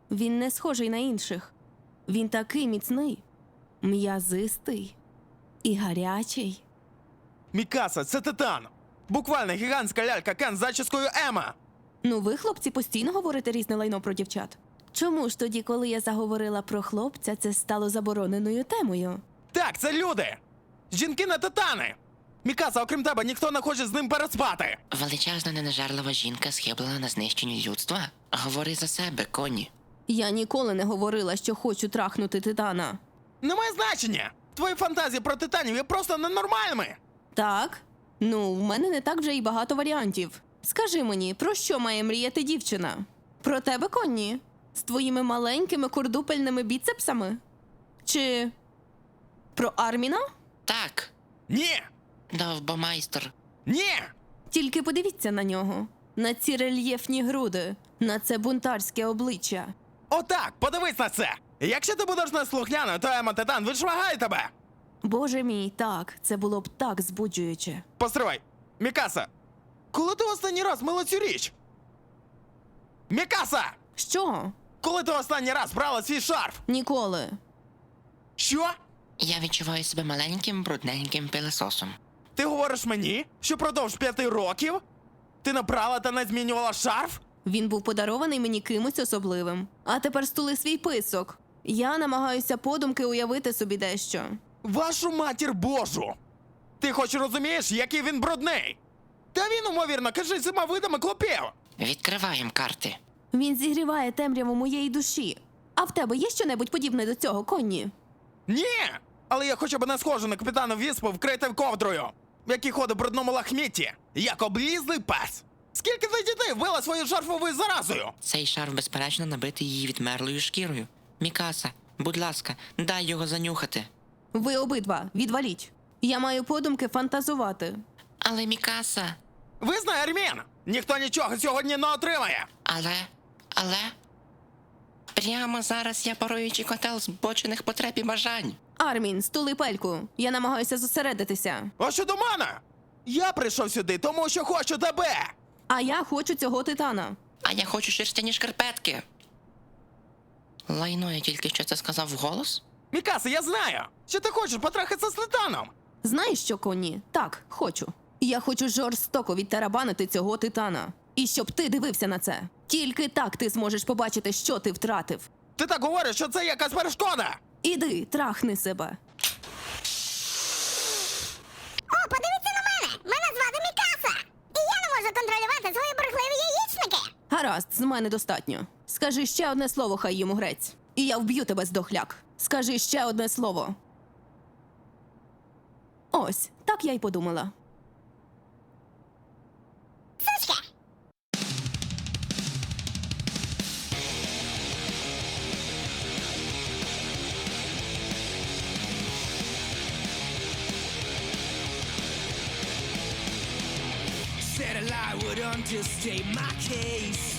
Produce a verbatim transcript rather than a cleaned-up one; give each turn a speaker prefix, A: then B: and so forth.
A: Він не схожий на інших. Він такий міцний, м'язистий і гарячий.
B: Мікаса, це Титан! Буквально гігантська лялька Кен з зачіскою Ема!
A: Ну ви, хлопці, постійно говорите різне лайно про дівчат. Чому ж тоді, коли я заговорила про хлопця, це стало забороненою темою?
B: Так, це люди! Жінки на Титани! Мікаса, окрім тебе, ніхто не хоче з ним переспати!
C: Величезна ненажерлива жінка схиблена на знищенні людства? Говори за себе, коні.
A: Я ніколи не говорила, що хочу трахнути Титана.
B: Немає значення! Твої фантазії про Титанів є просто ненормальними!
A: Так? Ну, в мене не так вже і багато варіантів. Скажи мені, про що має мріяти дівчина? Про тебе, Конні? З твоїми маленькими курдупельними біцепсами? Чи про Арміна?
C: Так,
B: Ні!
C: довбомайстер.
B: Ні!
A: Тільки подивіться на нього. На ці рельєфні груди, на це бунтарське обличчя.
B: Отак, подивись на це! Якщо ти будеш неслухняною, то Ема Титан відшвагає тебе!
A: Боже мій, так, це було б так збуджуюче.
B: Постривай! Мікаса! Коли ти останній раз мила цю річ? Мікаса!
A: Що?
B: Коли ти останній раз брала свій шарф?
A: Ніколи.
B: Що?
C: Я відчуваю себе маленьким брудненьким пилососом.
B: Ти говориш мені, що продовж п'яти років ти не брала та не змінювала шарф?
A: Він був подарований мені кимось особливим. А тепер стули свій писок. Я намагаюся подумки уявити собі дещо.
B: Вашу матір Божу! Ти хоч розумієш, який він брудний? Та він, умовірно, каже всіма видами клопів!
C: Відкриваємо карти.
A: Він зігріває темряву моєї душі. А в тебе є щонебудь подібне до цього, Конні?
B: Ні! Але я хоча б не схожу на капітана Віспу, вкритим ковдрою, який ходить в брудному лахмітті, як облізлий пес. Скільки ти дітей вбила своєю шарфовою заразою?
C: Цей шарф, безперечно, набитий її відмерлою шкірою. Мікаса, будь ласка, дай його занюхати.
A: Ви обидва, відваліть. Я маю подумки фантазувати.
C: Але Мікаса...
B: Визнай, Армін! Ніхто нічого сьогодні не отримає!
C: Але... Але... Прямо зараз я паруючий котел збочених потреб і бажань.
A: Армін, стули пельку. Я намагаюся зосередитися.
B: А що до мене? Я прийшов сюди, тому що хочу тебе!
A: А я хочу цього Титана.
C: А я хочу шерстяні шкарпетки. Лайно, я тільки що це сказав вголос?
B: Мікаса, я знаю, що ти хочеш потрахатися з Титаном!
A: Знаєш що, Конні? Так, хочу. Я хочу жорстоко відтарабанити цього Титана. І щоб ти дивився на це. Тільки так ти зможеш побачити, що ти втратив.
B: Ти так говориш, що це якась перешкода!
A: Іди, трахни себе.
D: О, подивіться на мене! Мене звати Мікаса! І я не можу контролювати свої бурхливі яєчники!
A: Гаразд, з мене достатньо. Скажи ще одне слово, хай йому грець. І я вб'ю тебе здохляк. Скажи ще одне слово. Ось, так я й подумала.
D: Сучка!
E: Said a lie would understate my case.